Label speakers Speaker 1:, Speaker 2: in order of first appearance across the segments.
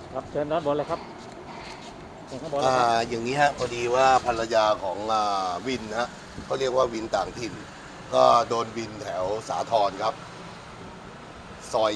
Speaker 1: ครับเชิญด้านบนเลยครับเชิญข้างบนเลยครับ
Speaker 2: อย่างนี้ฮะพอดีว่าภรรยาของวินฮะเขาเรียกว่าวินต่างถิ่น ก็โดนวินแถวสาทรครับซอย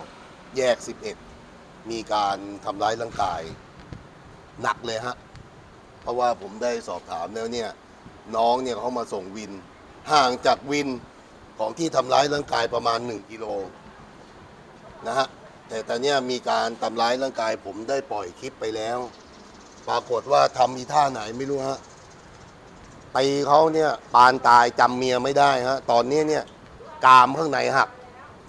Speaker 2: 9แยก11มีการทำร้ายร่างกายหนักเลยฮะเพราะว่าผมได้สอบถามแล้วเนี่ยน้องเนี่ยเขามาส่งวินห่างจากวินของที่ทำร้ายร่างกายประมาณ1 กิโลนะฮะแต่ตอนนี้มีการทำร้ายร่างกายผมได้ปล่อยคลิปไปแล้วปรากฏว่าทำมีท่าไหนไม่รู้ฮะตีเขาเนี่ยปานตายจำเมียไม่ได้ฮะตอนนี้เนี่ยกรามข้างในหัก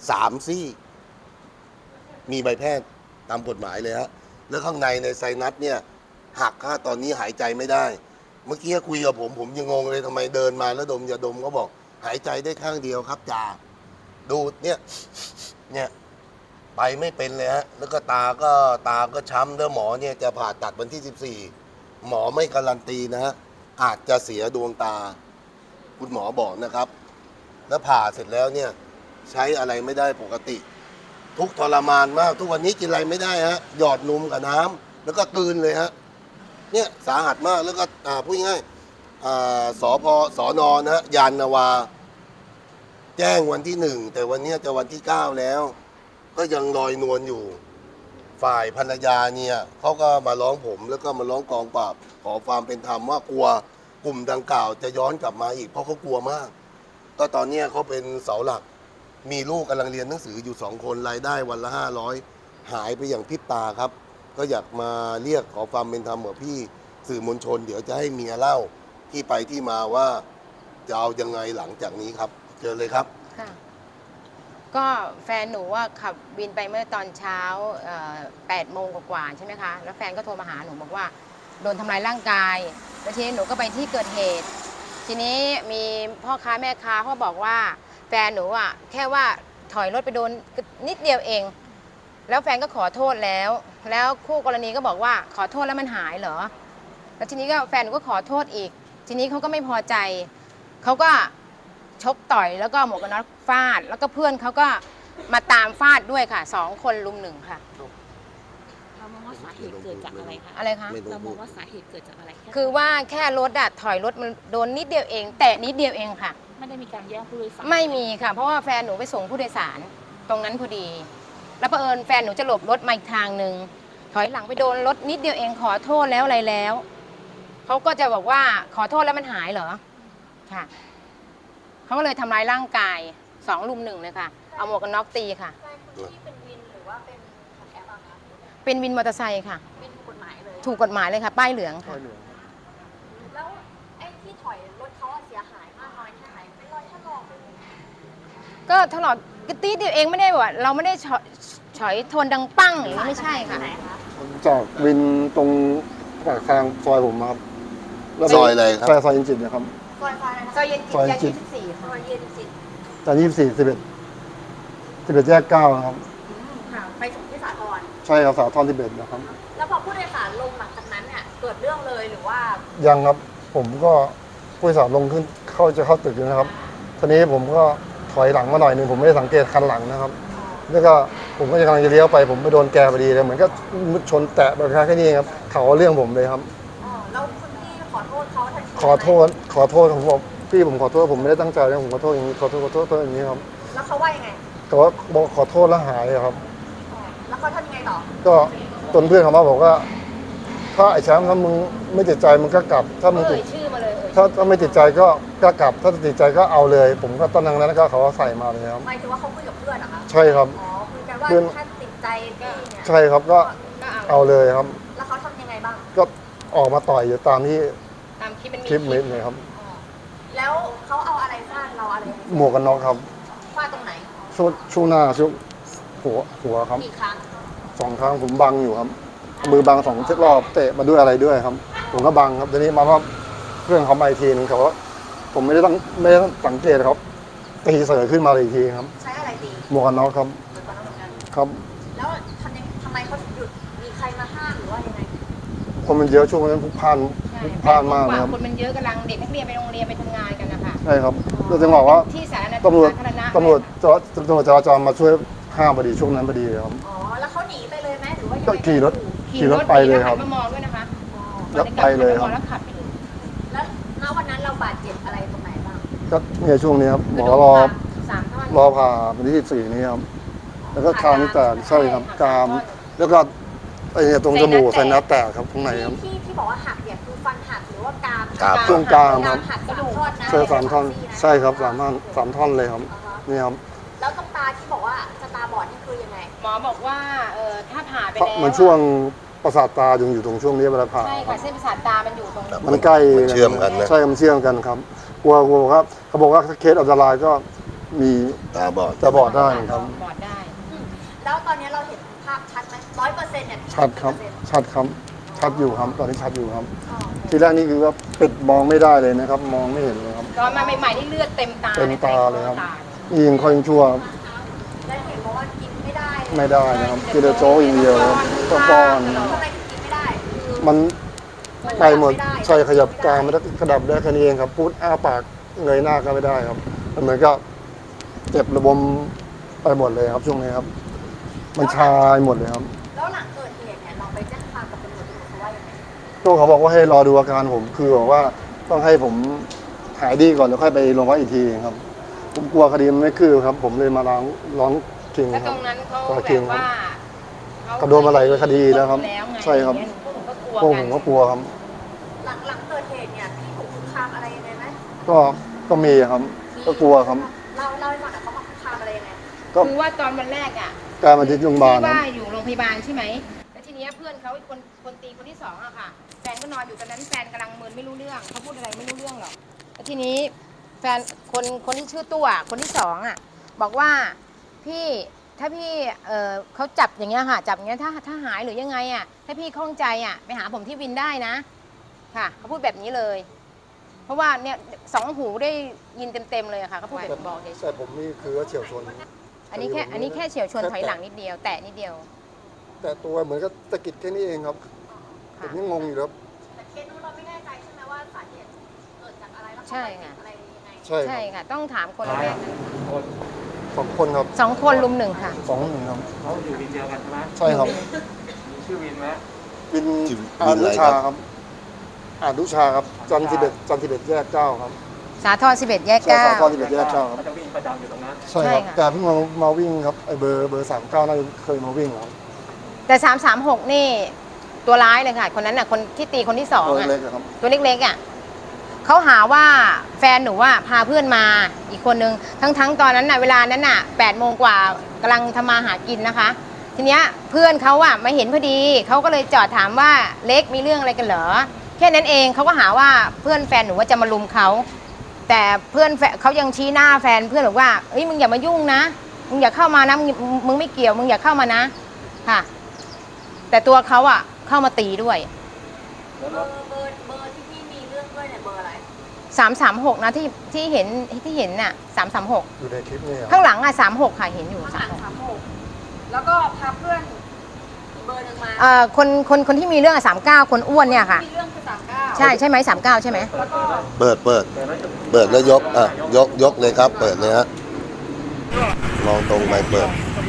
Speaker 2: 3 ซี่มีใบแพทย์ตามกฎหมายเลยฮะแล้วข้างในไซนัสเนี่ยหักฮะตอนนี้หายใจไม่ได้เมื่อกี้คุยกับผมยังงงเลยทำไมเดินมาแล้วดมยาดมเขาบอกหายใจได้ข้างเดียวครับจ่าดูเนี่ยไปไม่เป็นเลยฮะแล้วก็ตาก็ช้ำแล้วหมอเนี่ยจะผ่าตัดวันที่14หมอไม่การันตีนะฮะอาจจะเสียดวงตาคุณหมอบอกนะครับแล้วผ่าเสร็จแล้วเนี่ยใช้อะไรไม่ได้ปกติทุกทรมานมากทุกวันนี้กินอะไรไม่ได้ฮะหยอดนมกับน้ำแล้วก็กลืนเลยฮะเนี่ยสาหัสมากแล้วก็พูดง่ายสนนะฮะยานนาวาแจ้งวันที่1แต่วันนี้จะวันที่9แล้วก็ยังลอยนวลอยู่ฝ่ายภรรยาเนี่ยเขาก็มาร้องผมแล้วก็มาร้องกองปราบขอความเป็นธรรมว่ากลัวกลุ่มดังกล่าวจะย้อนกลับมาอีกเพราะเขากลัวมากก็ตอนนี้เขาเป็นเสาหลักมีลูกกำลังเรียนหนังสืออยู่2 คนรายได้วันละ500หายไปอย่างพริบตาครับก็อยากมาเรียกขอความเป็นธรรมกับพี่สื่อมวลชนเดี๋ยวจะให้เมียเล่าที่ไปที่มาว่าจะเอายังไงหลังจากนี้ครับเจอเลยครับ
Speaker 3: ค่ะก็แฟนหนูว่าขับวินไปเมื่อตอนเช้า8 โมงกว่าๆใช่ไหมคะแล้วแฟนก็โทรมาหาหนูบอกว่าโดนทำร้ายร่างกายแล้วทีนี้หนูก็ไปที่เกิดเหตุทีนี้มีพ่อค้าแม่ค้าเขาบอกว่าแฟนหนูอ่ะแค่ว่าถอยรถไปโดนนิดเดียวเองแล้วแฟนก็ขอโทษแล้วคู่กรณีก็บอกว่าขอโทษแล้วมันหายเหรอแล้วทีนี้ก็แฟนหนูก็ขอโทษอีกทีนี้เขาก็ไม่พอใจเขาก็ชกต่อยแล้วก็หมวกกันน็อกฟาดแล้วก็เพื่อนเขาก็มาตามฟาดด้วยค่ะ2 คนลุม1ค่ะ
Speaker 4: เรามองว่าสาเหตุเกิดจากอะไรคะ
Speaker 3: อะไรคะ
Speaker 4: เรามองว่าสาเหตุเกิดจากอะไร
Speaker 3: คือว่าแค่รถถอยรถมันโดนนิดเดียวเองแตะนิดเดียวเองค่ะ
Speaker 4: ไม่ได้มีการแย่งผู้โดยสาร
Speaker 3: ไม่มีค่ะเพราะว่าแฟนหนูไปส่งผู้โดยสารตรงนั้นพอดีแล้วเผอิญแฟนหนูจะหลบรถมาอีกทางหนึ่งถอยหลังไปโดนรถนิดเดียวเองขอโทษแล้วอะไรแล้วเขาก็จะบอกว่าขอโทษแล้วมันหายเหรอค่ะเขาก็เลยทำร้ายร่างกาย2 ลุม 1เลยค่ะเอาหมวกกันน็อกตีค่ะ
Speaker 4: ที่เป็นวินหรือว่าเป็นของแอปอะคะ
Speaker 3: เป็นวินมอเตอร์ไซค์ค่ะ
Speaker 4: เป็นถูกกฎหมายเลย
Speaker 3: ถูกกฎหมายเลยค่ะป้ายเหลืองค่ะ
Speaker 4: แล้วไอ้ที่ถอยรถเขาเสียหายมากน้อยแค่ไหนเป็นรอยถลอก
Speaker 3: ก็ถลอกกระตีเดียวเองไม่ได้ว่าเราไม่ได้ฉอยทนดังปั้งอย่างนี้ไม่ใช่ค่ะ
Speaker 5: จากวินตรงปากทางซอยผมครับ
Speaker 2: ซอยอะไรครับ
Speaker 5: ซอยเย็นจิตนะครับ
Speaker 4: ซอยอะไรนะ
Speaker 3: ซอยเย็นจิตย24ค่ะ
Speaker 4: ซอยเย็นจิต
Speaker 5: จาก11แยก9นะครับ
Speaker 4: ค่ะไปส่งที่สาทร
Speaker 5: ใช่ครับสาทร11นะครับ
Speaker 4: แล้วพอผู้โดยสารลงหลังจากนั้นเนี่ยเกิดเรื่องเลยหรือว่า
Speaker 5: ยังครับผมก็ผู้โดยสารลงขึ้นจะเข้าตึกนะครับทีนี้ผมก็ถอยหลังมาหน่อยนึงผมไม่ได้สังเกตคันหลังนะครับแล้วก็ผมก็กำลังจะเลี้ยวไปผมไปโดนแกพอดีเลยเหมือนก็ชนแตะแบบแค่นี้ครับเขาเรื่องผมเลยครับ
Speaker 4: แล้วคุณพี่ขอโทษเขาทันที
Speaker 5: ขอโทษผมบอกพี่ผมขอโทษผมไม่ได้ตั้งใจนะผมขอโทษอย่างนี้ขอโทษอย่างนี้ครับ
Speaker 4: แล้วเขาว่ายังไง
Speaker 5: แต่ว่าบอกขอโทษแล้วหายครับ
Speaker 4: แล้วเขาทำยังไงต่อ
Speaker 5: ก็ตนเพื่อนเขามาบอกว่าถ้าไอ้แชมป์ถ้ามึงไม่ติดใจมึงก็กลับถ้ามึงติด
Speaker 3: ชื่อมาเลย
Speaker 5: ถ้าไม่ติดใจก็กลับถ้าติดใจก็เอาเลยผมก็ตอนนั้นก็เขาใส่มาเลยครับ
Speaker 4: หมายถึงว่าเขาคุยกับเพื่อนเหรอคะ
Speaker 5: ใช่ครับ
Speaker 4: อ๋อคุยกันว่าถ้าติดใจพี่เนี่ย
Speaker 5: ใช่ครับก็เอาเลยครับ
Speaker 4: แล้วเขาทำยังไงบ้าง
Speaker 5: ก็ออกมาต่อยอยู่ตามที่
Speaker 3: คลิป
Speaker 5: เม็ดเลยครับ
Speaker 4: แล้วเขาเอาอะไรฟาดเราอะไร
Speaker 5: หมวกกันน็อกครับ
Speaker 4: ฟาดตรงไหน
Speaker 5: ช่วงหน้าช่วงหัวครับ
Speaker 4: กี่ครั้ง
Speaker 5: 2 ครั้งผมบังอยู่ครับมือบัง2 รอบเตะมาด้วยอะไรด้วยครับผมก็บังครับทีนี้มาว่าเพื่อนเขามาอีกทีนึงเขาว่าผมไม่ได้สังเกตครับตีเสือขึ้นมาอีกทีครับ
Speaker 4: ใช้อะไรตี
Speaker 5: หมวกกันน็อกครับครับ
Speaker 4: แล้วทำไมเขาหยุดมีใครมาห้ามหรือว่ายังไง
Speaker 5: คนมันเยอะช่วงนั้นพลุกพล่านมากนะครับ
Speaker 3: คนมันเยอะกำลังเด็กนักเรียนไปโรงเรียนไปทำงานกันนะคะ
Speaker 5: ใช่ครับเราจะบอกว่า
Speaker 3: ที่สาธารณะ
Speaker 5: ตำรวจจราจรมาช่วยห้ามพอดีช่วงนั้นพอดีครับ
Speaker 4: อ๋อแล้วเขาหนีไปเลยไหมหรือว่า
Speaker 5: ก็ขี่รถไปเลยครับ
Speaker 3: หันมามองด้วยนะคะ
Speaker 5: แล้วไปเลยครับ
Speaker 3: แล้วขับไปเลย
Speaker 4: แล้วณวันนั้นเราบาดเจ็บอะไรตรงไหนบ้าง
Speaker 5: ก็เนี่ยช่วงนี้ครับหมอ
Speaker 3: 3 ท่อน
Speaker 5: รอผ่าวันที่14นี้ครับแล้วก็คางนี่แตกใช่ครับกราม แล้วก็ไอ้เนี่ยตรงจมูกไซนัสแตกครับข้างในครับ
Speaker 4: ที่บอกว่าหักเนี่ยคือฟันหักหรือว่ากราม
Speaker 2: กราม
Speaker 5: ช่วงกรามครับ
Speaker 4: หักกระดูกท่อนนะ
Speaker 5: ใช่3 ท่อนใช่ครับ3 ท่อนเลยครับนี่ครับ
Speaker 4: แล้วตรงตาที่บอกว่าจะตาบอดนี่คือยังไง
Speaker 3: หมอบอกว่าถ้าผ่าไป
Speaker 5: เพราะ
Speaker 3: แล้ว
Speaker 5: มันช่วงประสาทตายังอยู่ตรงช่วงนี้เวลาผ่า
Speaker 3: ใช่ค่ะเส้นประสาทตามันอยู่ตรง
Speaker 5: มันใกล้
Speaker 2: มันเชื่อมกันนะ
Speaker 5: ใช่มันเชื่อมกันครับกลัวครับเขาบอกว่าถ้าเคสอันตรายก็มี
Speaker 2: ตาบอด
Speaker 5: จะบอดได้ครับ
Speaker 3: บอดได้
Speaker 4: แล้วตอนนี้เราเห็นภาพชัดไหม100%เนี่ย
Speaker 5: ชัดครับชัดครับชัดอยู่ครับตอนนี้ชัดอยู่ครับ
Speaker 4: อ๋อ
Speaker 5: ทีแรกนี่คือว่าปิดมองไม่ได้เลยนะครับ มองไม่เห็นเลยครับ
Speaker 3: ตอนมาใหม่ๆนี่เลือดเต็มตา
Speaker 5: เต็มตาเลยครับ
Speaker 3: ตา
Speaker 5: ยิงคอยชั่วครับ
Speaker 4: แล้วเห็นบอกว่ากินไม่ได้
Speaker 5: ไม่ได้นะครับกินแต่โจ๊กอย่างเดียวครับต้องป้อน
Speaker 4: ทำไมถึงกินไม่ได้คือ
Speaker 5: มันไปหมดใช่ขยับกลางมันกระดับได้แค่นี้เองครับพูดอ้าปากเงยหน้าก็ไม่ได้ครับมันเหมือนก็เจ็บระบมไปหมดเลยครับช่วงนี้ครับ มันชาหมดเลยครับ
Speaker 4: แล้วหลังเกิดเหตุเนี่ยเราไปแจ้งความกับตำรวจเขาว่ายังไง
Speaker 5: ตัวเขาบอกว่าให้รอดูอาการผมคือบอกว่าต้องให้ผมหายดีก่อนแล้วค่อยไปโรงพยาบาลอีกทีครับผมกลัวคดีมันไม่คืบครับ ผมเลยมาร้องคิง
Speaker 3: แล้ว
Speaker 5: ค
Speaker 3: ต
Speaker 5: รั
Speaker 3: ร
Speaker 5: บ
Speaker 3: งนั้นเขา
Speaker 5: ก็
Speaker 3: แบ
Speaker 5: เคียง
Speaker 3: บ
Speaker 5: ครับ
Speaker 3: ว่า
Speaker 5: เขาโดนมาหลายคดีแล้วครับ
Speaker 3: ไง
Speaker 5: ใช่ครับ
Speaker 3: พวกผมก็กลัว
Speaker 5: พวกผมก็กลัวครับ
Speaker 4: หลังเกิดเหตุเนี่ยพี่ถูกคุกคามอะไรยังไงไหม
Speaker 5: ก็มีครับ ก็กลัวครับ
Speaker 4: เล่าให้ฟังหน่อยเขามาคุกคามอะไรยังไง
Speaker 5: ก็
Speaker 3: คือว่าตอนวันแรกอ่ะ
Speaker 5: การมาที่โรงพยาบาล
Speaker 3: ที่
Speaker 5: ครับ
Speaker 3: ว่าอยู่โรงพยาบาลใช่ไหมแล้วทีเนี้ยเพื่อนเขาอีกคนตีคนที่สองอะค่ะ แฟนก็นอนอยู่ตอนนั้นแฟนกำลังมึนไม่รู้เรื่องเขาพูดอะไรไม่รู้เรื่องหรอกแล้วทีนี้แฟนคนที่ชื่อตัวคนที่สองอะบอกว่าพี่ถ้าพี่เขาจับอย่างเงี้ยค่ะจับอย่างเงี้ยถ้าหายหรือยังไงอะถ้าพี่คล่องใจอะไปหาผมที่วินได้นะค่ะเขาพูดแบบนี้เลย เพราะว่าเนี่ย2 หูได้ยินเต็มๆเลยอะค่ะเขาพูดแบบบอกเฉย
Speaker 5: แต่ผมนี่คือว่าเฉียวชน
Speaker 3: ๆอันนี้แค่เฉียวชนถอยหลังนิดเดียวแตะนิดเดียว
Speaker 5: แต่ตัวเหมือนกับตะกิดแค่นี้เองครับผมยังงงอยู่ครับ
Speaker 4: แต่เคสนู้นเราไม่แน่ใจใช่ไหมว่าสาเหตุเกิดจากอะไรแล้ว
Speaker 3: ใช่
Speaker 4: เขา
Speaker 3: ค่ะ
Speaker 4: ไปติดอะไรยังไง
Speaker 5: ใช่ค
Speaker 3: ใช่
Speaker 5: รับ
Speaker 3: ค่ะ ต้องถามคนละแวกนั้น
Speaker 5: 2 คนครับ
Speaker 3: 2 คนลุม 1ค่ะ
Speaker 5: 2-1ครับ
Speaker 1: เขาอยู่วินเดียวกันใช่ไหม
Speaker 5: ใช่ครับ
Speaker 1: มีชื่อวินไหม
Speaker 5: วิน
Speaker 2: ชื่อวิน
Speaker 5: อา
Speaker 2: อะไร
Speaker 5: นุ
Speaker 2: ค
Speaker 5: ชา
Speaker 2: รับ
Speaker 5: ครับอานุชาครับจันทร์11แยก9ครับ
Speaker 3: สาทร11 แยก
Speaker 5: ใช่สาทร
Speaker 3: 9
Speaker 5: 11แยก9ครับ
Speaker 1: เขาจะวิ่งประจำอยู่ตรงนั้น
Speaker 5: ใช่ครับ
Speaker 3: ใช่ค่ะ
Speaker 5: แต่เพิ่งมาวิ่งครับไอเบอร์39น่าจะเคยมาวิ่งแล้ว
Speaker 3: แต่336นี่ตัวร้ายเลยค่ะ คนนั้นน่ะคนที่ตีคนที่2
Speaker 5: ตัว
Speaker 3: อ่ะ
Speaker 5: เล็กๆครับ
Speaker 3: ตัวเล็กๆอ่ะเขาหาว่าแฟนหนูว่าพาเพื่อนมาอีกคนนึงทั้งตอนนั้นน่ะเวลานั้นน่ะ8 โมงกว่ากำลังทำมาหากินนะคะ ทีเนี้ยเพื่อนเขาอ่ะมาเห็นพอดีเขาก็เลยจอดถามว่าเล็กมีเรื่องอะไรกันเหรอแค่นั้นเองเขาก็หาว่าเพื่อนแฟนหนูว่าจะมาลุมเขาแต่เพื่อนเขายังชี้หน้าแฟนเพื่อนบอกว่าเอ้ยมึงอย่ามายุ่งนะมึงอย่าเข้ามานะมึงไม่เกี่ยวมึงอย่าเข้ามานะค่ะ แต่ตัวเขาอ่ะเข้ามาตีด้วย
Speaker 4: เบอร์ที่พี่มีเรื่องด้วยเนี่ยเบอร์อะไร
Speaker 3: 336นะที่เห็นน่ะ336
Speaker 5: อยู่ในคลิปนี่ครับ
Speaker 3: ข้างหลังอ่ะ36ค่ะเห็นอยู่
Speaker 4: ข้างหลัง
Speaker 3: 36
Speaker 4: 36แล้วก็พาเพื่อนอีกเบอร์หนึ่งมา
Speaker 3: คนที่มีเรื่องอะ39คนอ้วนเนี่ยค่ะ
Speaker 4: มีเรื่องคือ39
Speaker 3: ใช่ไหม39ใช่ไหม
Speaker 4: แล้วก็
Speaker 2: เปิดแล้วยกยกเลยครับ เปิดเลยฮะลองตรงไปเปิด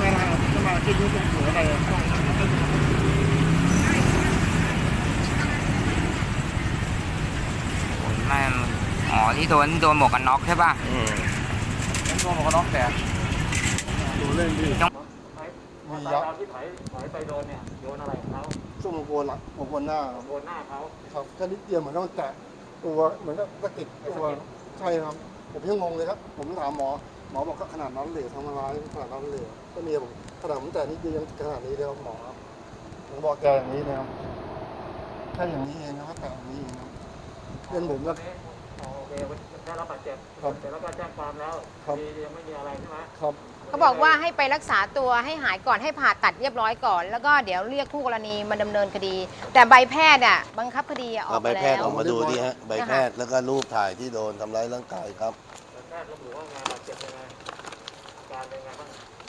Speaker 6: ไม่อ๋อที่โดนหมวกกันน็อกใช่ป่ะ
Speaker 1: ตัวหมวกกันน็อกแตก
Speaker 5: ดูเล่นดิ
Speaker 1: ต
Speaker 5: มี
Speaker 1: อน
Speaker 5: ยักษ์
Speaker 1: ที่ถอยไปโดนเนี่ยโดนอะไรของเขา
Speaker 5: ช่วงโคนหลังโคนหน้าครับ
Speaker 1: โดนหน้าเขา
Speaker 5: ครับแค่นิดเดียวเหมือนกับมันแตะตัวเหมือนกับตะกิดตัวใช่ครับ ผมยังงงเลยครับ ผมถามหมอบอกก็ขนาดนั้นเลยทำร้ายขนาดนั้นเลยก็เมียผมขนาดผมแต่นิดเดียวยังขนาดนี้เลยครับหมอครับผมบอกแกอย่างนี้นะครับแค่อย่างนี้เองนะครับแต่อย่างนี้เองครับเพื่อนผมก็
Speaker 1: โอเคได้รับบาดเจ็บ
Speaker 5: ครับ
Speaker 1: แต่แล้วก็แจ้งความแล้ว
Speaker 5: ครับ
Speaker 1: ยังไม่มีอะไรใช่ไหม
Speaker 5: ครับ
Speaker 3: เขาบอกว่าให้ไปรักษาตัวให้หายก่อนให้ผ่าตัดเรียบร้อยก่อน แล้วก็เดี๋ยวเรียกคู่กรณีมาดำเนินคดี แต่ใบแพทย์อ่ะบังคับคดีออก
Speaker 2: เอาใบ
Speaker 3: มา
Speaker 2: แพทย์
Speaker 3: แล้
Speaker 2: อ
Speaker 3: ว
Speaker 2: อกมาดูดิฮะใบแพทย์แล้วก็รูปถ่ายที่โดนทำร้ายร่างกายครับ
Speaker 1: แพทย์ระบุว่าไงบาดเจ็บยังไงการเป็นไงบ้าง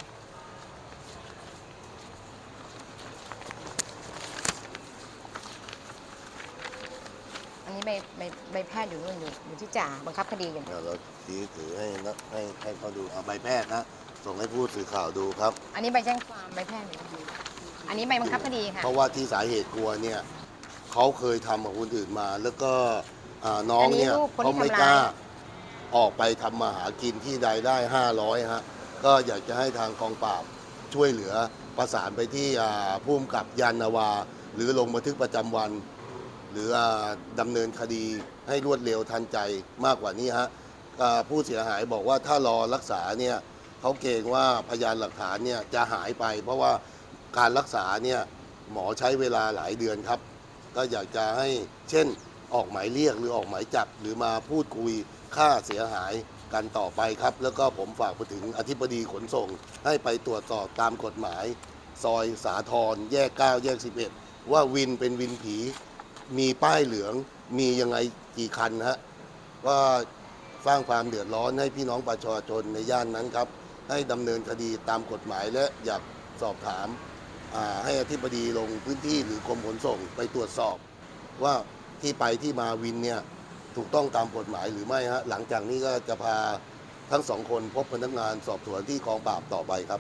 Speaker 3: อันนี้ใบแพทย์อยู่นู่นอยู่ที่จ่าบังคับคดีอยู่
Speaker 2: เดี๋ยวเราถือให้นะให้เขาดูเอาใบแพทย์นะส่งให้ผู้สื่อข่าวดูครับ
Speaker 3: อันนี้ใบแจ้งความใบแพทย์อยู่อันอันนี้ใบบังคับคดีค่ะ
Speaker 2: เพราะว่าที่สาเหตุกลัวเนี่ยเขาเคยทำกับคนอื่นมา แล้วก็น้องเนี่ย
Speaker 3: อันนี้ลูกคนที่
Speaker 2: เขาไม่
Speaker 3: ทำร้าย
Speaker 2: กล้าออกไปทำมาหากินที่ใดได้500ฮะก็อยากจะให้ทางกองปราบช่วยเหลือประสานไปที่ผู้กำกับยานนาวา หรือลงบันทึกประจำวัน หรือดำเนินคดีให้รวดเร็วทันใจมากกว่านี้ฮะผู้เสียหายบอกว่าถ้ารอรักษาเนี่ยเขาเกรงว่าพยานหลักฐานเนี่ยจะหายไป เพราะว่าการรักษาเนี่ยหมอใช้เวลาหลายเดือนครับ ก็อยากจะให้เช่นออกหมายเรียกหรือออกหมายจับหรือมาพูดคุยค่าเสียหายกันต่อไปครับ แล้วก็ผมฝากไปถึงอธิบดีขนส่ง ให้ไปตรวจสอบตามกฎหมาย ซอยสาทรแยก 9 แยก 11 ว่าวินเป็นวินผี มีป้ายเหลืองมียังไงกี่คันฮะก็สร้างความเดือดร้อนให้พี่น้องประชาชนในย่านนั้นครับ ให้ดำเนินคดีตามกฎหมายและอยากสอบถามให้อธิบดีลงพื้นที่หรือกรมขนส่งไปตรวจสอบ ว่าที่ไปที่มาวินเนี่ยถูกต้องตามกฎหมายหรือไม่ฮะหลังจากนี้ก็จะพาทั้งสองคนพบพนักงานสอบสวนที่กองปราบต่อไปครับ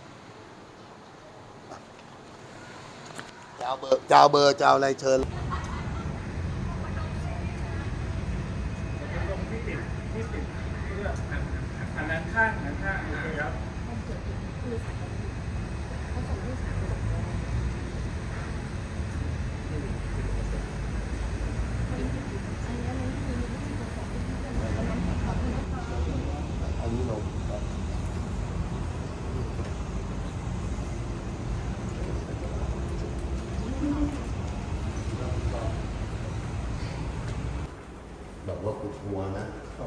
Speaker 2: เจ้าเบอร์เจ้าอะไรเชิญ
Speaker 1: ตรงที่ติดเลือกอันนั้นข้างโอเคครับ
Speaker 2: อันนี้ลงครับแบบว่ากูกลัวนะ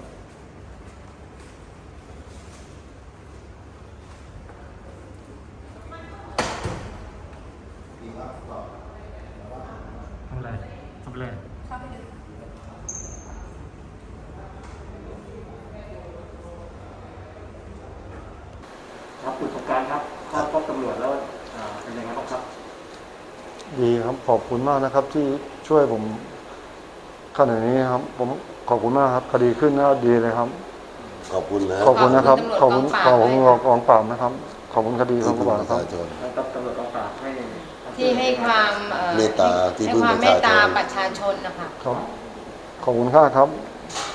Speaker 1: ทำอะไรทำอะไรครับคุณสงการครับเข้าพบตำรวจแล้วเป็นยังไงบ้างครับ
Speaker 5: ดีครับขอบคุณมากนะครับ ที่ช่วยผมขนาดนี้ครับ ผมขอบคุณมากครับคดีขึ้นแล้วดีเลยครับ
Speaker 2: ขอบคุณนะ
Speaker 5: ขอบคุณนะครับ ขอบคุณ
Speaker 3: ขอบคุณตำรวจ
Speaker 5: กองปราบนะครับ ขอบคุณคดีก
Speaker 2: ที่
Speaker 5: อง
Speaker 2: พึ่ง
Speaker 5: ปราบ
Speaker 2: ประ
Speaker 5: ครับ
Speaker 2: ชาชน
Speaker 1: แล้วตำรวจกองปราบให้
Speaker 3: ที่ให้ความ
Speaker 2: เมตตาที่
Speaker 3: ให้
Speaker 2: พึ่ง
Speaker 3: ความ
Speaker 2: ประ
Speaker 3: เม
Speaker 2: ชา
Speaker 3: ต
Speaker 2: ช
Speaker 3: ตาน ประชาชนนะคะ
Speaker 5: ครับ ขอบคุณค่าครับ